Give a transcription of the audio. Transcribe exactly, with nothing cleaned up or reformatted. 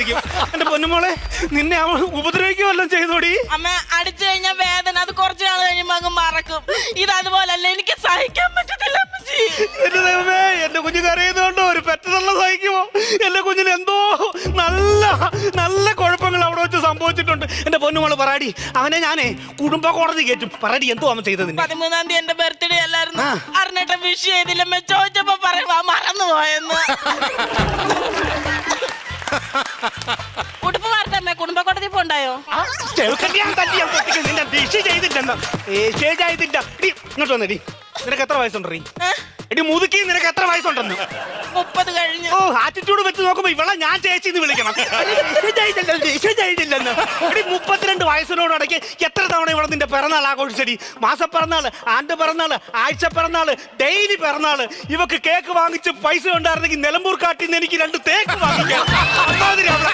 സഹിക്കും. എന്റെ പൊന്നുമോളെ, നിന്നെ അവൻ ഉപദ്രവിക്കുക വല്ലതും ചെയ്തോടി? അമ്മ അടിച്ചു കഴിഞ്ഞാൽ വേദന അത് കുറച്ചു നാൾ കഴിയുമ്പോ അങ്ങ് മറക്കും. ഇത് അതുപോലല്ല, എനിക്ക് സഹിക്കാൻ പറ്റത്തില്ല അമ്മച്ചി. എന്റെ ദൈവമേ, എന്റെ കുഞ്ഞ് കരയുന്നോണ്ടോ ഒരു പെറ്റതള്ള സഹിക്കുമോ? എന്റെ കുഞ്ഞിന് എന്തോ നല്ല നല്ല കുഴപ്പങ്ങൾ അവിടെ വെച്ച് സംഭവിച്ചിട്ടുണ്ട്. എന്റെ പൊന്നുമോള് പറയാടി, അവനെ ഞാനേ കുടുംബ കോടതി കയറ്റും. പറയാടി, എന്തോ അവൻ ചെയ്തത്? പതിമൂന്നാം തീയതി എന്റെ ബർത്ത്ഡേ അല്ലായിരുന്നു. അറിഞ്ഞിട്ട് വിഷ് ചെയ്തില്ലമ്മ. ചോദിച്ചപ്പോ പറയുമ്പോ മറന്നു പോയെന്ന്. ഉടുപ്പ് വാർത്തമ്മ കുടുംബ കോടതി പോണ്ടായോ? ഇങ്ങോട്ട് വന്നെടി. നിനക്ക് എത്ര വയസ്സുണ്ടീ? എടി മുതുക്കി, നിനക്ക് എത്ര വയസ്സുണ്ടെന്ന്? മുപ്പത് കഴിഞ്ഞു. ഓ, ആറ്റിറ്റ്യൂഡ് വെച്ച് നോക്കുമ്പോ ഇവളെ ഞാൻ ചേച്ചി എന്ന് വിളിക്കണം. എടി മുപ്പത്തിരണ്ട് വയസ്സിനോടൊക്കെ എത്ര തവണ ഇവിടെ നിന്റെ പിറന്നാൾ ആഘോഷിച്ചടി? മാസപ്പിറന്നാള്, ആണ്ട് പിറന്നാള്, ആഴ്ച പിറന്നാള്, ഡെയിലി പിറന്നാള്. ഇവക്ക് കേക്ക് വാങ്ങിച്ച് പൈസ ഉണ്ടായിരുന്നെങ്കിൽ നിലമ്പൂർ കാട്ടിൽ നിന്ന് എനിക്ക് രണ്ട് തേക്ക് വാങ്ങിക്കാം.